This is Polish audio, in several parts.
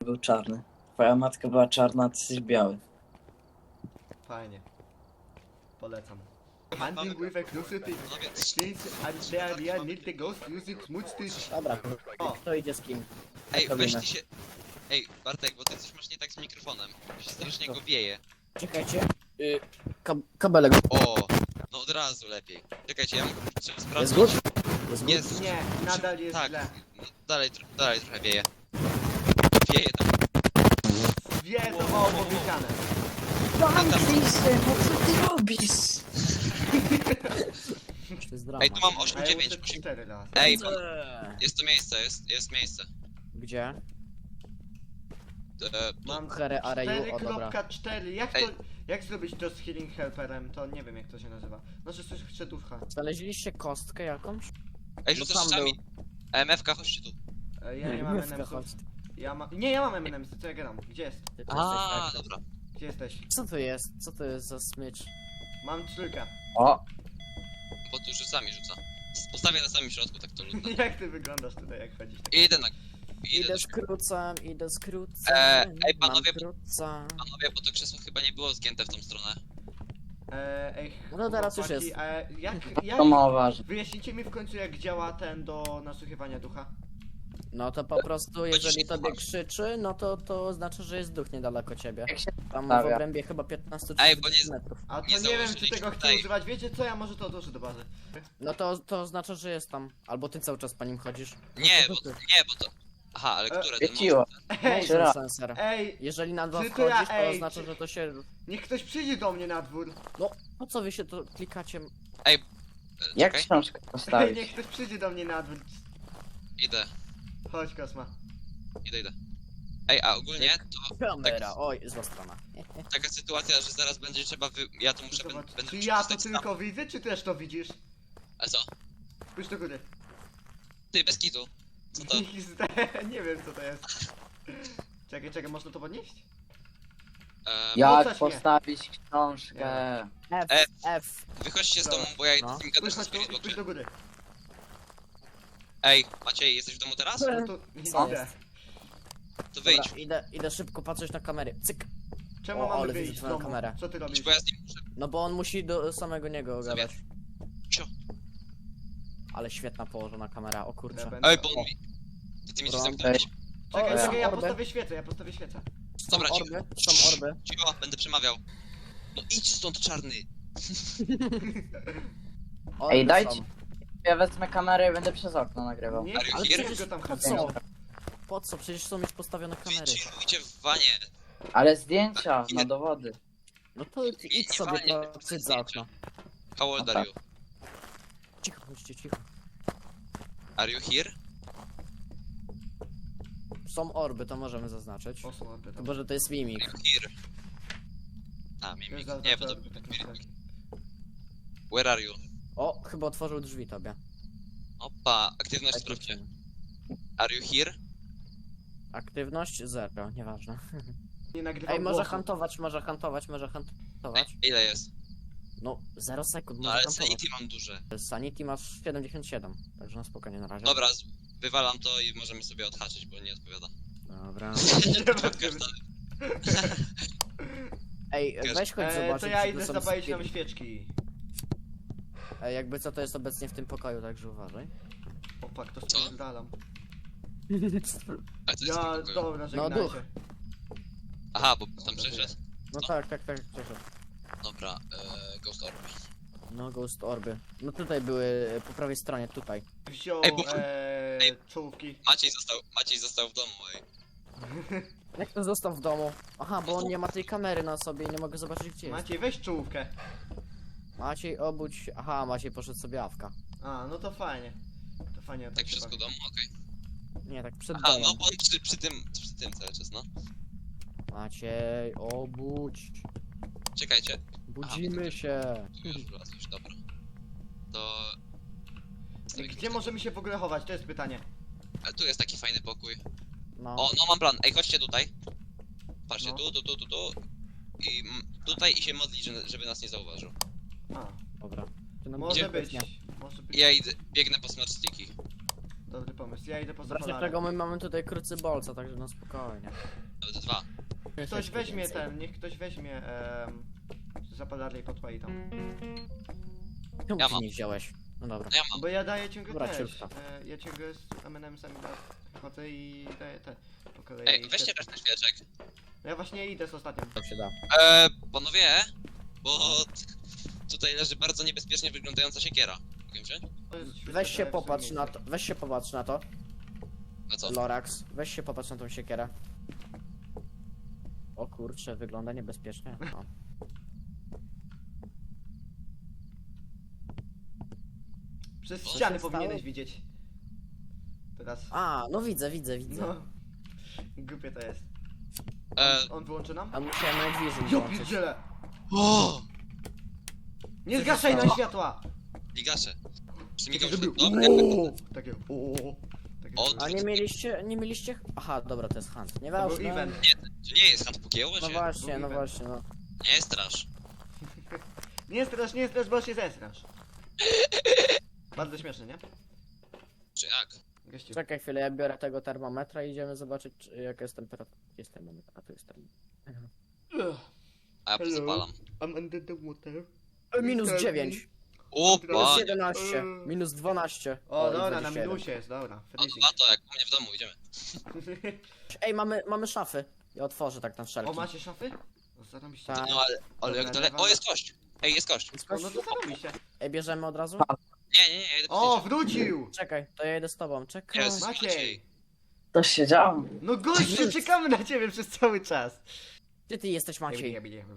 był czarny. Twoja matka była czarna, a ty jesteś biały. Fajnie. Polecam. Hunting with exclusivity things and there need the ghost music smooth stitch. Dobra, O, kto idzie z kim? Ej, Robimy. weź ty się... Ej, Bartek, bo ty coś masz nie tak z mikrofonem. Się strasznie go wieje. Czekajcie. Kabelek. O, no od razu lepiej. Czekajcie, ja trzeba Jest sprawdzić. good? Jest good? Jest. nie, nadal jest Tak, źle. no, dalej trochę wieje. Wieje tam. Wie, to mało powiedziane. Lisy, po co ty robisz? To jest drama. Ej, tu mam A 8, ja 9, muszę 8. 4 razy. Ej, jest to miejsce, jest miejsce. Gdzie? Mam Here are you, o dobra. 4.4. Ej. Jak zrobić to z healing helperem? To nie wiem jak to się nazywa. Znaczy coś chce ducha. Znaleźliście kostkę jakąś? Ej, No rzucasz tam rzeczami. MFK, chodźcie tu. Ja nie mam Mówka, MMS-ów. chodź. Nie, ja mam MMS, co ja gadam? Gdzie jest? Ty to jesteś A, tak. dobra. Gdzie jesteś? Co to jest? Co to jest za smycz? Mam trójkę. O, Bo tu sami rzuca. Postawię na samym środku, tak to ludno. Jak ty wyglądasz tutaj jak chodzisz? Idę na... Idę skrócam, idę skrócam. Ej, panowie, mam króca. Panowie, bo to krzesło chyba nie było zgięte w tą stronę. Ej, No teraz już chłopaki, jest. Jak... to mało ważne. Wyjaśnijcie mi w końcu jak działa ten do nasłuchiwania ducha. No to po prostu, jeżeli nie tobie słuchasz. krzyczy, no to znaczy, że jest duch niedaleko ciebie. Jak się Tam w stawia? obrębie chyba 15 Ej, czy bo nie- 30 metrów. A to Nie nie wiem czy założyliśmy tego chcę tutaj. używać, wiecie co, ja może to odłożę do bazy. No to oznacza, że jest tam. Albo ty cały czas po nim chodzisz. Nie, bo to... Aha, ale które ten Świeciło. Ej, Trzy razy. Sensor. ej, Jeżeli na dwa Czy to ja- wchodzisz, to ej, oznacza, czy- że to się... niech ktoś przyjdzie do mnie na dwór. No, po co wy się to klikacie? Jak Czekaj, książkę Ej, postawić? niech ktoś przyjdzie do mnie na dwór. idę. Chodź Kosma. Idę. Ej, a ogólnie to Kamera, oj, zła strona. taka sytuacja, że zaraz będzie trzeba Ja to muszę... Zobacz, Będę czy musiał ja to zostać tylko widzę, czy też to widzisz? A co? Spójrz do góry. Ty, bez kitu. Co to? Nie wiem co to jest. Czekaj, można to podnieść? Jak Rzucać postawić książkę? F. Wychodźcie z Dobra. domu, bo ja No. z nim gadam Spójrz na chodź tu i Facebooku. spójrz do góry. Ej, Maciej, jesteś w domu teraz? No to Co? idę. To wyjdź. Dobra, idę szybko patrzeć na kamery. Cyk. Czemu O, mamy ale wyjść widzę z twoją domu? kamerę. Co ty robisz? Idź, bo ja z nim muszę. No bo on musi do samego niego Sobie. gadać. Cio. Ale świetna położona kamera, o Ja kurczę. będę- Ej, bo on mi... Ty mi się Dobra. zamknąłeś. Czekaj, ja orby. postawię świecę. Są Dobra, cicho. orby, są orby. Cicho, będę przemawiał. No idź stąd, czarny. Orby Ej, dajcie. są. Ja wezmę kamerę i będę przez okno nagrywał. Nie, Are you Ale here? przecież go tam po chodzi. co? Po co? Przecież są już postawione kamery. Chillujcie w wanie. Ale zdjęcia na dowody. No to idź sobie, walnie, to przyjdź za okno. How old are you? Cicho, chodźcie, cicho. Are you here? Są orby, to możemy zaznaczyć. O, są orby, Chyba, że to jest mimik. Are you here? A, mimik. Nie, bo to... Where are you? O, chyba otworzył drzwi tobie. Opa, aktywność Tak, sprawdźcie. Are you here? Aktywność 0, nieważne. Nie nagrywam Ej, może głosu. hantować. Ile jest? No, 0 sekund, No może ale hantować. sanity mam duże. Sanity masz 77, także na spokojnie na razie. Dobra, wywalam to i możemy sobie odhaczyć, bo nie odpowiada. Dobra. Każdy- Ej, weź chodź zobaczyć, to ja czy idę tu są zapalić nam spirit- świeczki. Ej, jakby co to jest obecnie w tym pokoju, także uważaj. Opak, to Co? spierdalam. A to jest Ja, tylko... dobra, No, żegnajcie. duch. Aha, bo tam przeszedł. No tak, przeszedł. Dobra, Ghost Orb. No, Ghost Orby. No tutaj były, po prawej stronie, tutaj. Wziął Ej, bo- czołówki. Maciej został w domu, ej. Jak to został w domu? Aha, bo on nie ma tej kamery na sobie i nie mogę zobaczyć gdzie jest. Maciej, weź czołówkę. Maciej, obudź... Aha, Maciej poszedł sobie awka. A, no to fajnie. To fajnie, Tak tak w środku domu? Okej. Nie, tak przed Aha, domem. no bo on przy tym cały czas, no. Maciej, obudź. Czekajcie, Budzimy się. tu już wlazłeś, dobra. To... Gdzie możemy się w ogóle chować? To jest pytanie. Ale tu jest taki fajny pokój. No. O, no mam plan. Ej, chodźcie tutaj. Patrzcie, No. tu. I tutaj i się modlić, żeby nas nie zauważył. A, Dobra. Ty nam może idzie być. nie. Może być. I ja biegnę po smart sticki. Dobry pomysł, ja idę po W razie zapalarę. czego my mamy tutaj krucybolca, także no spokojnie. Nawet 2. Ktoś weźmie ten, niech ktoś weźmie zapalarę i podpali tam. Czemu Ja ty mam. nie wziąłeś? No dobra. No ja mam. Bo ja daję ciągle Dobra, też. ciurka. Ja ciągle z M&M'sami chodzę i daję te po kolei. Ej, weźcie resztę świeczek. Ja właśnie idę z ostatnim. To się da. Panowie, bo tutaj leży bardzo niebezpiecznie wyglądająca siekiera. Mogę wziąć? To jest świetne, Weź się daję w popatrz swoim na miejscu. to, weź się popatrz na to. A co? Lorax, weź się popatrz na tą siekierę. O kurczę, wygląda niebezpiecznie. O. Przez Co ściany się powinieneś stało? widzieć. Teraz. A, no widzę. No. Głupie to jest. E, On wyłączy nam? A musiałem Night Vision Ja włączyć. pierdzielę! o! Nie Co się zgaszaj na stało? światła! Ligasze. Przymigał Żeby... się. Dobra. Ooo! Takie ooo. Takie O, to A nie mieliście... Aha, dobra, to jest Hunt. był Nieważne. event. To nie jest hand pokieło No się. właśnie, Był no event. właśnie, no. Nie strasz. Nie strasz, bo się zesrasz. Bardzo śmieszne, nie? Czy jak? Gościu. Czekaj chwilę, ja biorę tego termometra i idziemy zobaczyć, jaka jest temperatura. Jest termometr, a tu jest termometr. A ja Hello. zapalam. I'm under the water. Minus 9, O, minus panie. 11, minus 12. O, i dobra, na 27. minusie jest, dobra. O, Freezing. dwa to jak u mnie w domu, idziemy. Ej, mamy szafy. Ja otworzę tak na wszelki. O, macie szafy? O, zarobiście. Tak. No ale jak Dobra, daleko. O, jest kość! Ej, jest kość! Jest O, kość? no to zarobiście. Ej, bierzemy od razu? Nie, ja idę O, po wrócił! Czekaj, to ja idę z tobą, czekaj. Jest. Maciej! To się działo. No gościu, czekamy na ciebie przez cały czas. Gdzie ty jesteś, Maciej?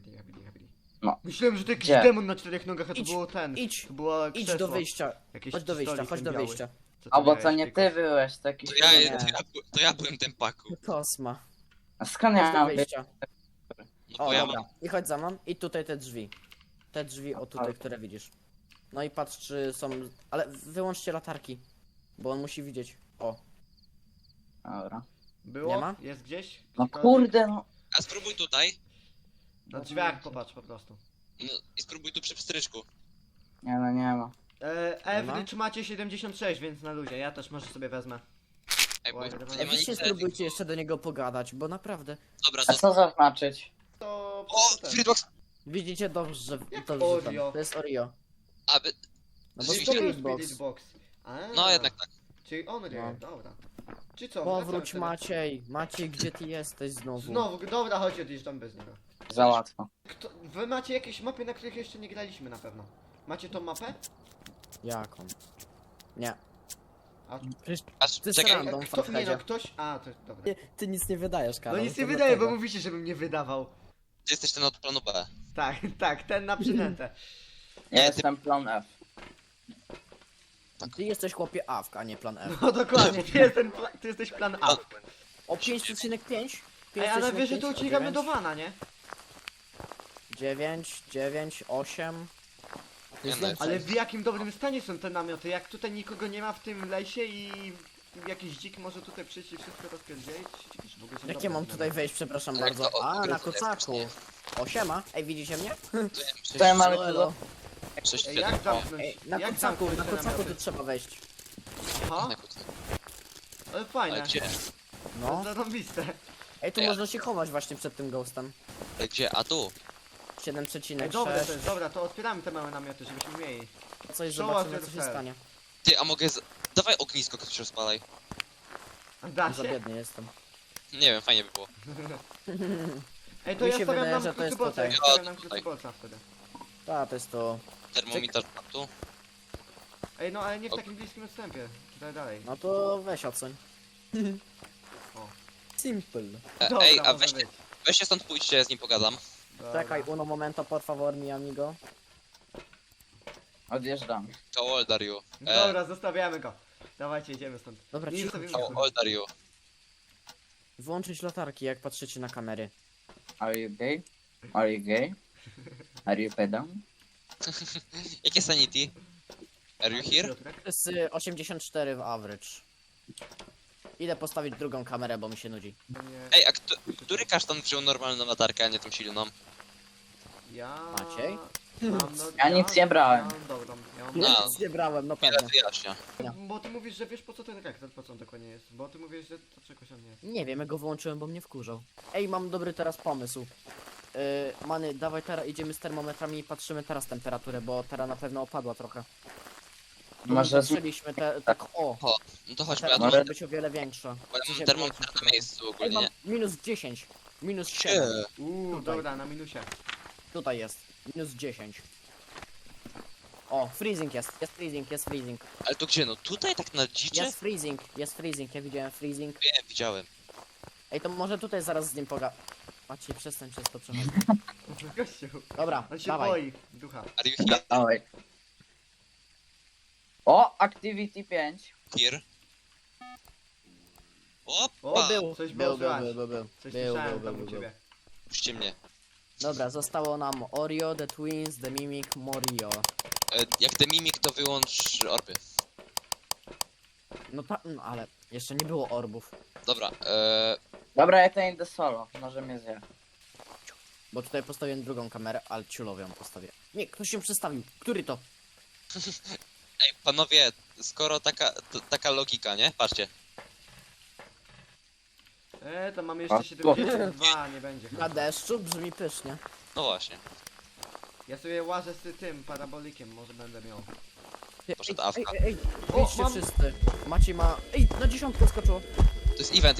No. Myślałem, że to jakiś Gdzie? demon na 4 nogach, a to Idź, było ten. idź, To było idź krzesło. do wyjścia. Jakieś Chodź do wyjścia, stolik chodź ten do biały. wyjścia. Co A bo miałeś, to nie Piku? ty byłeś, taki To ja, Nie. to ja byłem ten paku. Kosma. A skąd Chodź ja do mam być? wyjścia. No O, bo ja dobra. mam. I chodź za mną. I tutaj te drzwi. Te drzwi, o tutaj, które widzisz. No i patrz, czy są... Ale wyłączcie latarki. Bo on musi widzieć. O, Dobra. Było? Nie ma? Jest gdzieś? No Gdziekolwiek? kurde, no. A spróbuj tutaj. Na drzwiach popatrz po prostu. No i spróbuj tu przy pstryczku. Nie no, nie ma. Average macie 76, więc na luzie. Ja też może sobie wezmę. Ej, bo Oj, tu dobra. nie Ej, ma wy się nic. spróbujcie jeszcze do niego pogadać, bo naprawdę... Dobra, A to... co zaznaczyć? To... O, ten. Freebox! Widzicie dobrze, że Jak to wrzucam. Oreo? To jest Oreo. Aby... No bo To Rzeczywiście. jest Spirit Box. Spirit Box. A, No jednak tak. Czyli on wie, No. dobra. Czy co? Powróć, wracamy wtedy? Maciej. Maciej, gdzie ty jesteś znowu? Znowu, dobra, chodź odjeżdżam bez niego. Za łatwo. Wy macie jakieś mapy, na których jeszcze nie graliśmy na pewno. Macie tą mapę? Jaką? Nie. A, Przecież Aż, Ty czekaj, sram. Random kto, nie Farheadzie. no, ktoś... A, to dobra. ty nic nie wydajesz, Karol. No nic to nie wydaje, bo dlatego. mówicie, żebym nie wydawał. ty jesteś ten od planu B. Tak, tak, ten na przynętę. Ja jestem plan F. Ty jesteś chłopie AFK, a nie plan F. No dokładnie, ty jesteś plan A. O 5,5? Ej, ale wiesz, że tu uciekamy do wana, nie? 9, 9, 8. To jest Nie, no, więcej. Ale w jakim dobrym stanie są te namioty? Jak tutaj nikogo nie ma w tym lesie i jakiś dzik może tutaj przyjść i wszystko rozpierdzielić? W ogóle są Jak dobre ja mam te tutaj namioty. wejść, przepraszam Jak bardzo. to A, na odgryzł kocaku. faktycznie. O, siema. Ej, widzicie mnie? To ja mam Elo. 6, Ej, 7. jak zamknąć? Ej, na jak kocaku, zamknąć na te kocaku namioty? tu trzeba wejść. Aha, ale fajne. Ale gdzie? No. Zarąbiste. Ej, tu Ej, można się chować właśnie przed tym ghostem. Ale gdzie? A tu? Ej, dobre to 7,6. jest, dobra, to otwieramy te małe namioty, żebyśmy mieli. Coś Show zobaczymy, us co się your fair. stanie. Ty, a mogę z... Dawaj ognisko, ktoś rozpalaj. A da Za się? biedny jestem. Nie wiem, fajnie by było. Ej, to Mi ja się stawiam wydaje, nam że to jest krucybolca, ja tutaj. stawiam nam Tutaj. krucybolca wtedy. Ta, to jest to. Termometer tu. Ej, no ale nie w takim bliskim odstępie. Dalej, dalej. No to weź oceń. O. Simple. Dobra, Ej, a może być. weźcie stąd pójdźcie, z nim pogadam. Dobra. Czekaj, uno momento, por favor, mi amigo. Odjeżdżam. How old are you? Dobra, zostawiamy go. Dawajcie, idziemy stąd. Dobra, Nie cicho, zostawimy cicho. How go. old are you? Włączyć latarki, jak patrzycie na kamery. Are you gay? Are you gay? Are you pedał? Jakie sanity? Are you here? Piotrek? To jest 84 w average. Idę postawić drugą kamerę, bo mi się nudzi. To nie- Ej, a który kasztan wziął normalną latarkę, a nie tą silną? Ja... Maciej? Ja nic nie brałem. Ja mam dobrą, ja mam Ja No. dobrą. nic nie brałem, no Wiele pewnie. wyjaśnia. Bo ty mówisz, że wiesz po co ten reaktor, po co on dokładnie jest. Bo ty mówisz, że to czegoś on nie jest. Nie wiem, ja go wyłączyłem, bo mnie wkurzał. Ej, mam dobry teraz pomysł. Many, dawaj teraz idziemy z termometrami i patrzymy teraz temperaturę, bo teraz na pewno opadła trochę. Może z... Patrzyliśmy tak o. No to chodźmy, Teraz ja tu może mam, być o wiele większa. bo ja W sensie mam termometr większa. na miejscu Ej, ogólnie, mam nie? minus 10. Minus 7. Tutaj. Dobra, na minusie. Tutaj jest. Minus 10. O, freezing jest. Jest freezing, jest freezing. Ale to gdzie? No tutaj tak na dzicze? Jest freezing, jest freezing. Ja widziałem freezing. Wiem, widziałem. Ej, to może tutaj zaraz z nim Maciej, przestań przez to przechodzić. Gościu. Dobra, On się dawaj. boi, ducha. Are you here? Dawaj. O, Activity 5. Here? O, Opa! Był, coś był, było był, słychać. był, był, Coś był, słyszałem był, tam był, u był. ciebie. Puśćcie mnie. Dobra, zostało nam Oreo, The Twins, The Mimic, Morio. Jak ten mimik, to wyłącz orby. No ale jeszcze nie było orbów. Dobra, Dobra, ja to idę solo. Może mnie zje. Bo tutaj postawiłem drugą kamerę, ale ciulowo ją postawię. Nie, ktoś się przestawił. Który to? ej, panowie, skoro taka logika, nie? Patrzcie. To mamy jeszcze A, 72, nie będzie. Na deszczu brzmi pysznie. No właśnie. Ja sobie łażę z tym parabolikiem, może będę miał. Poszedł ej, awka. ej, O, wyjdźcie mam- wszyscy. Maciej ma... Ej, na 10 skoczyło. To jest event.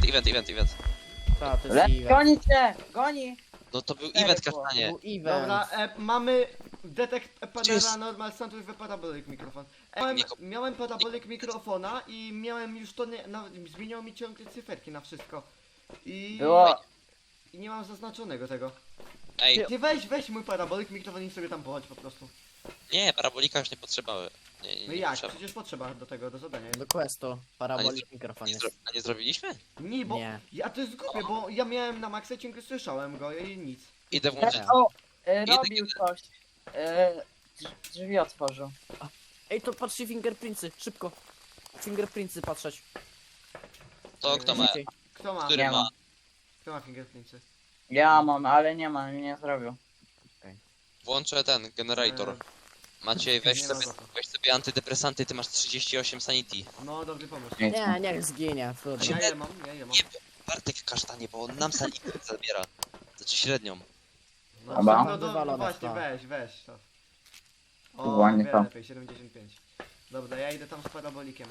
Ta, to jest Le event. goni cię! Goni! No to był Cztery event, było. kasztanie. Był event. Dobra, mamy detect Gdzie jest- panera normal sound with parabolic mikrofon. Miałem parabolic mikrofona i miałem już to nie, zmieniało mi ciągle cyferki na wszystko. I Było... i nie mam zaznaczonego tego. Ej, Ty weź mój parabolic mikrofon i sobie tam pochodź po prostu. nie, parabolika już nie potrzeba. Nie, No nie jak? potrzeba. Przecież potrzeba do tego, do zadania. Do questu. Parabolik mikrofon jest. A nie zrobiliśmy? Nie, bo Nie. ja to jest głupie, bo ja miałem na maksa ciągle słyszałem go i nic. Idę włączyć. O, robił coś. Drzwi otworzył. Ej, to patrzcie fingerprintsy, szybko. Fingerprintsy patrzeć. To kto ma? Szybciej. Kto ma? Który Nie ma? ma. Kto ma fingerprintsy? Ja mam, ale nie ma, nie zrobił. Włączę ten generator. Maciej, Nie ma za to. weź sobie antydepresanty, ty masz 38 sanity. No dobry pomysł. Nie, niech zginie. Trudno. Ja je mam, ja je mam. Nie, Bartek kasztanie, bo on nam sanity zabiera. Znaczy średnią. No, Dobra. no Wywalone właśnie, to. weź to. O, Ładnie wiele to. lepiej, 75. Dobra, ja idę tam z parabolikiem.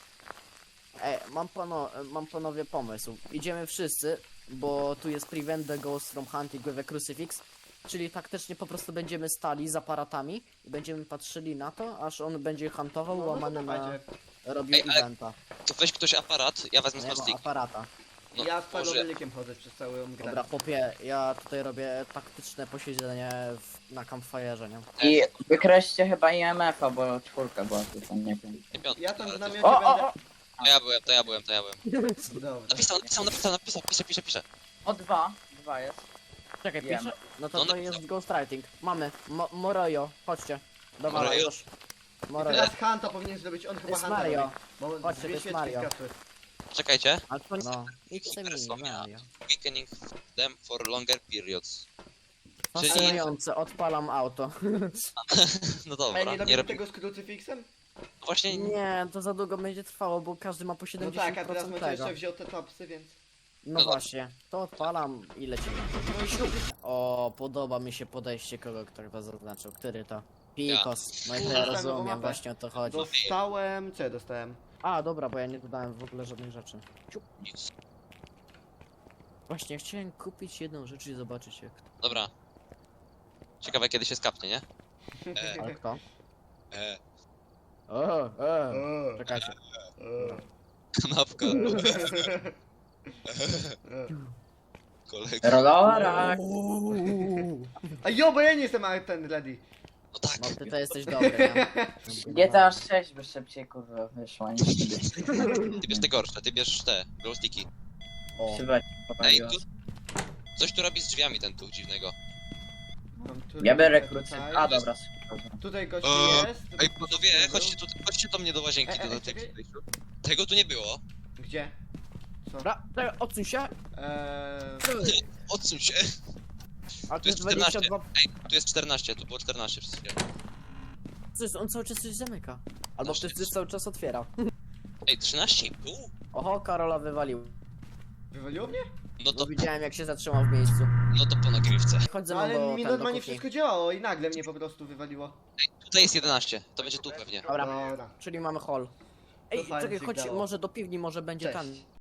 Ej, mam panowie pomysł. Idziemy wszyscy, bo tu jest prevent the ghost from hunting with a crucifix. Czyli taktycznie po prostu będziemy stali z aparatami i będziemy patrzyli na to, aż on będzie huntował, No to łamany na... dawajcie. robił Ej, ale- eventa. To weź ktoś aparat, ja wezmę Nie ma smart stick. aparata. No, Ja z może... parabolikiem chodzę przez całą grę. Dobra, chłopie, ja tutaj robię taktyczne posiedzenie na campfire'ze, nie? I wykreślcie chyba IMF-a, bo 4 była tutaj, nie wiem. Nie piątkę, Ja tam ale w to- namiocie O, będę... o, o! To ja byłem. Dobra. Napisał, pisze. O, 2 jest. Czekaj, Wiem. pisze? No to No, to napisał. jest ghostwriting. Mamy. Morojo, chodźcie. Dobra, Morojo? już. Morojo. Teraz Hanta powinien zrobić, on chyba jest Hanta Mario. robi. Bo Chodźcie, to dwie jest świeczki Mario. zgasły. Czekajcie. A to no. It's a mini, Persona. Mario. Weakening them for longer periods. Fascynujące, odpalam auto. No Ej, dobra, nie nie robimy robię. tego z krucyfiksem? Właśnie Nie, to za długo będzie trwało, bo każdy ma po 70% No tak, a teraz Maciej tego. jeszcze wziął te topsy, więc... No właśnie, to odpalam i lecimy. O, podoba mi się podejście kogo, kto chyba zaznaczył. Który to? Pikos. No i to ja rozumiem, właśnie o to chodzi. Dostałem... Co ja dostałem? A, dobra, bo ja nie dodałem w ogóle żadnych rzeczy. Ciup. nic. Właśnie, chciałem kupić jedną rzecz i zobaczyć jak to. Dobra. Ciekawe kiedy się skapnie, nie? Ale kto? E, O, Czekajcie. o. kanapka. Kolega. Rolora! A jo, bo ja nie jestem ten ready. No tak. No ty to jesteś dobry, nie? GTA 6 by szybciej kurwa wyszła niż wtedy. Ty bierz te gorsze, ty bierz te glowsticki. O, Chyba Ej, popaliła. tu... Coś tu robi z drzwiami ten tu dziwnego. Mam tu Ja biorę tutaj. krócej. A dobra. Tutaj gość jest. Ej, panowie, chodźcie do mnie do łazienki, do tej czekaj. przejściu. Tego tu nie było. Gdzie? Co? Dobra, odsuń się. Eee... Odsuń się. A Tu jest 14. Ej, tu jest 14, tu było 14 przez chwilę. Co jest, on cały czas coś zamyka. Albo Znaczy- ktoś cały czas otwiera. Ej, 13,5? Oho, Karola wywalił. Wywaliło mnie? No to, Bo widziałem jak się zatrzymał w miejscu. no to po nagrywce. Chodź ze No mną ale do, mi ten, do normalnie kuchni. wszystko działało i nagle mnie po prostu wywaliło. Tutaj jest 11, to będzie tu pewnie. Dobra, Dobra. czyli mamy hall. Ej, fajny czekaj, chodź sygnał. może do piwni, może będzie Cześć. tam.